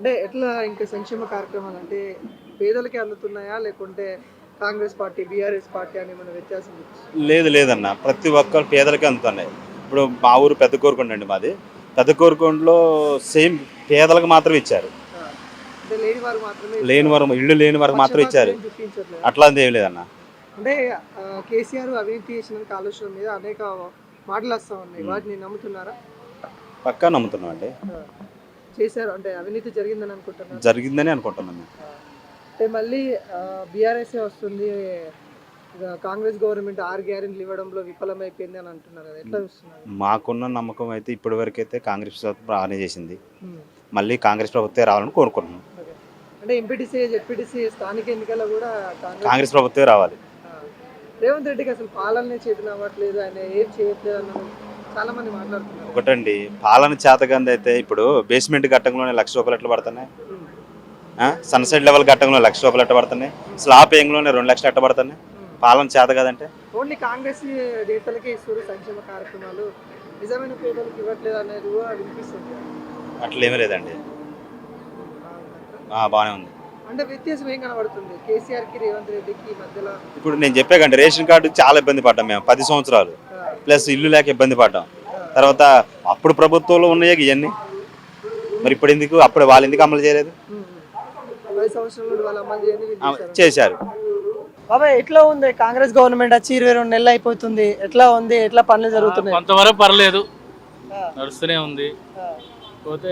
అంటే ఎట్లా ఇంకా సంక్షేమ కార్యక్రమాలు అంటే పేదలకే అందుతున్నాయా లేకుంటే కాంగ్రెస్ పార్టీ బీఆర్ఎస్ పార్టీ అని మన వ్యత్యాసం ఉంది? లేదన్న, ప్రతి ఒక్కరు పేదలకే అందుతున్నాయి. ఇప్పుడు మా ఊరు పెద్ద కోరుకొండ అండి మాది. పెద్ద కోరుకొండలో సేమ్ పేదలకు మాత్రం ఇచ్చారు. ఆ, అంటే లేని వారు మాత్రమే లేని వారు, ఇల్లు లేని వారికి మాత్రం ఇచ్చారు. పక్షపాతం ఏం చూపించట్లేదు. అట్లాంటి ఏం లేదన్న. అంటే కేసీఆర్ అవినీతి చేసిన ఆలోచన మీద అనేక మాటలు వస్తూ ఉన్నాయి, వాటిని నమ్ముతున్నారా? పక్కా నమ్ముతున్నాం అండి. ఆ, చేశారు అంటే అవినీతి జరిగిందని అనుకుంటున్నారు. జరిగిందని అనుకుంటున్నాం మేము. అంటే మళ్ళీ బీఆర్ఎస్ వస్తుంది, కాంగ్రెస్ గవర్నమెంట్ 6 గ్యారెంటీలు ఇవ్వడంలో విఫలమైపోయింది అని అంటున్నారు కదా, ఎట్లా చూస్తున్నారు? మాకున్న నమ్మకం అయితే ఇప్పటి వరకు అయితే కాంగ్రెస్ ప్రభుత్వం బాగానే చేసింది. ఉమ్, మళ్ళీ కాంగ్రెస్ ప్రభుత్వమే రావాలని కోరుకుంటున్నాం. ఓకే. అంటే ఎంపీటీసీ జెడ్పీటీసీ స్థానిక ఎన్నికల్లో కూడా కాంగ్రెస్ ప్రభుత్వమే రావాలి. ఆ, రేవంత్ రెడ్డికి అసలు పాలనే చేతులు అవ్వట్లేదు, ఆయన ఏం చేయట్లేదు అన్న చాలా మంది మాట్లాడుతున్నారు. ఒకటండి, పాలన చేతకంది అయితే ఇప్పుడు బేస్మెంట్ ఘట్టంలోనే ₹1,00,000 ఎట్లా పడుతున్నాయి, ఉమ్, సన్సెట్ లెవెల్ ఘట్టంలో ₹1,00,000 ఎట్లా పడుతున్నాయి, స్లాబ్ ఏంగ్లోనే 2,00,000 ఎట్లా పడుతున్నాయి. పాలన చేత కదంటే ఓన్లీ కాంగ్రెస్ నేతలకే ఇస్తారు సంక్షేమ కార్యక్రమాలు, నిజమైన పేదలకు ఇవ్వట్లేదు అనేది కూడా వినిపిస్తుంది. అట్లేమీ లేదండి, బాగుందంటారా? బాగానే ఉంది. అంటే వ్యత్యాసం ఏం కనబడుతుంది కేసీఆర్కి రేవంత్ రెడ్డికి మధ్యలో? ఇప్పుడు నేను చెప్పాకండి, రేషన్ కార్డు చాలా ఇబ్బంది పడ్డాం మేము 10 సంవత్సరాలు, ప్లస్ ఇల్లు లేక ఇబ్బంది పడ్డాం. తర్వాత అప్పుడు ప్రభుత్వంలో ఉన్నాయి ఇవన్నీ, మరి ఇప్పుడు ఎందుకు, అప్పుడు వాళ్ళు ఎందుకు అమలు చేయలేదు? 10 సంవత్సరాల నుండి వాళ్ళ అమలు చేయండి చేశారు. బాబాయ్ ఎట్లా ఉంది కాంగ్రెస్ గవర్నమెంట్ వచ్చి 22 నెలలు అయిపోతుంది, ఎట్లా ఉంది, ఎట్లా పనులు జరుగుతున్నాయి? కొంతవరకు పర్లేదు, ఆ, నడుస్తూనే ఉంది. ఆ, పోతే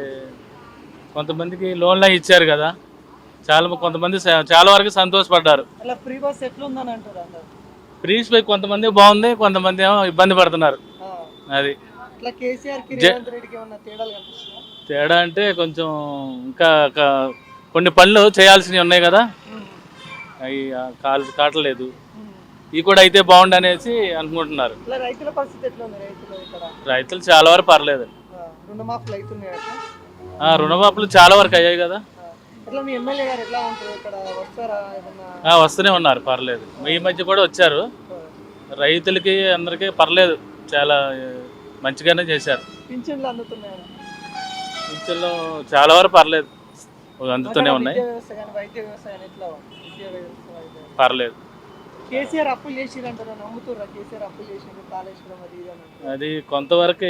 కొంతమందికి లోన్లు ఇచ్చారు కదా, కొంతమంది చాలా వరకు సంతోషపడ్డారు. అలా ఫ్రీ బస్ ఎట్లా ఉందని అంటారు అందరు? ఫ్రీస్ పై కొంతమంది బాగుంది, కొంతమంది ఏమో ఇబ్బంది పడుతున్నారు. ఆ, అది ఇట్లా కేసీఆర్కి రేవంత్ రెడ్డికి ఏమన్నా తేడాలు కనిపిస్తున్నాయా? తేడా అంటే కొంచెం ఇంకా కొన్ని పనులు చేయాల్సినవి ఉన్నాయి కదా, అవి కావట్లేదు. ఇవి కూడా అయితే బాగుండు అనేసి అనుకుంటున్నారు. ఇట్లా రైతుల పరిస్థితి ఎట్లా ఉంది? రైతులు ఇక్కడ రైతులు చాలా వరకు పర్లేదు. రుణమాఫీలు అవుతున్నాయి అట్లా? రుణమాఫీలు చాలా వరకు అయ్యాయి కదా. ఎట్లా మీ ఎమ్మెల్యే గారు ఎట్లా ఉంటారు ఇక్కడ, వస్తారా ఏమన్నా? వస్తూనే ఉన్నారు, పర్లేదు. ఈ మధ్య కూడా వచ్చారు. రైతులకి అందరికీ పర్లేదు, చాలా మంచిగానే చేశారు. పింఛన్లు అందుతున్నాయా? పింఛన్లు చాలా వరకు పర్లేదు, అందుతూనే ఉన్నాయి. వైద్య వ్యవసాయం ఎట్లా ఉంది? విద్యా వ్యవసాయం పర్లేదు. కేసీఆర్ అప్పులు చేసిరంటారు, నమ్ముతుర్రా కేసీఆర్ అప్పులు చేసిండు కాళేశ్వరం అది ఇది అని అంటారు. అది కొంతవరకు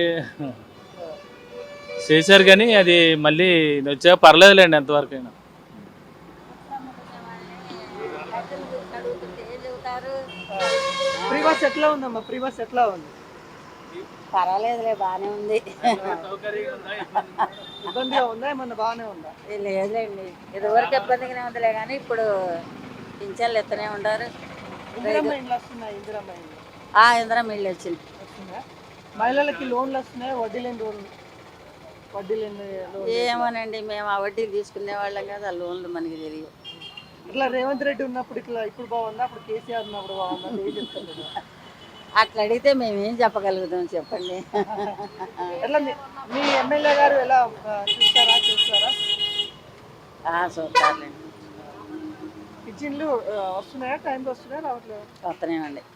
చేశారు కానీ అది మళ్ళీ వచ్చాక పర్లేదులేండి ఎంతవరకు అయినా. ఫ్రీ బస్ ఎట్లా ఉందమ్మా? ఫ్రీ బస్ ఎట్లా ఉంది? పర్వాలేదులే, బాగానే ఉంది. ఇబ్బందిగా ఉందా ఏమన్నా బాగానే ఉందా? లేదులేండి, ఇదివరకు ఇబ్బందిగానే ఉందిలే కానీ ఇప్పుడు పింఛన్లు ఎత్తనే ఉంటారు. ఇందిరమ్మ ఇండ్లు వస్తున్నాయి, ఇందిరమ్మ ఇండ్లు ఇందిరమ్మ ఇల్లు వచ్చింది. వస్తుందా? మహిళలకి లోన్లు వస్తున్నాయి, వడ్డీ లేని లోన్లు? ఏమోనండి, మేము ఆ వడ్డీలు తీసుకునే వాళ్ళం కదా, ఆ లోన్లు మనకి తెలియదు. ఇట్లా రేవంత్ రెడ్డి ఉన్నప్పుడు ఇట్లా ఇప్పుడు బాగుందా, అప్పుడు కేసీఆర్ ఉన్నప్పుడు బాగుందా? ఏం చెప్తారు కదా? అట్లా అడిగితే మేము ఏం చెప్పగలుగుతాం చెప్పండి. ఎట్లా మీ ఎమ్మెల్యే గారు ఎలా చూస్తారా? చూస్తారులేండి, పింఛన్లు వస్తున్నాయా? టైంకి వస్తున్నాయా రావట్లేదు? వస్తూనేనండి.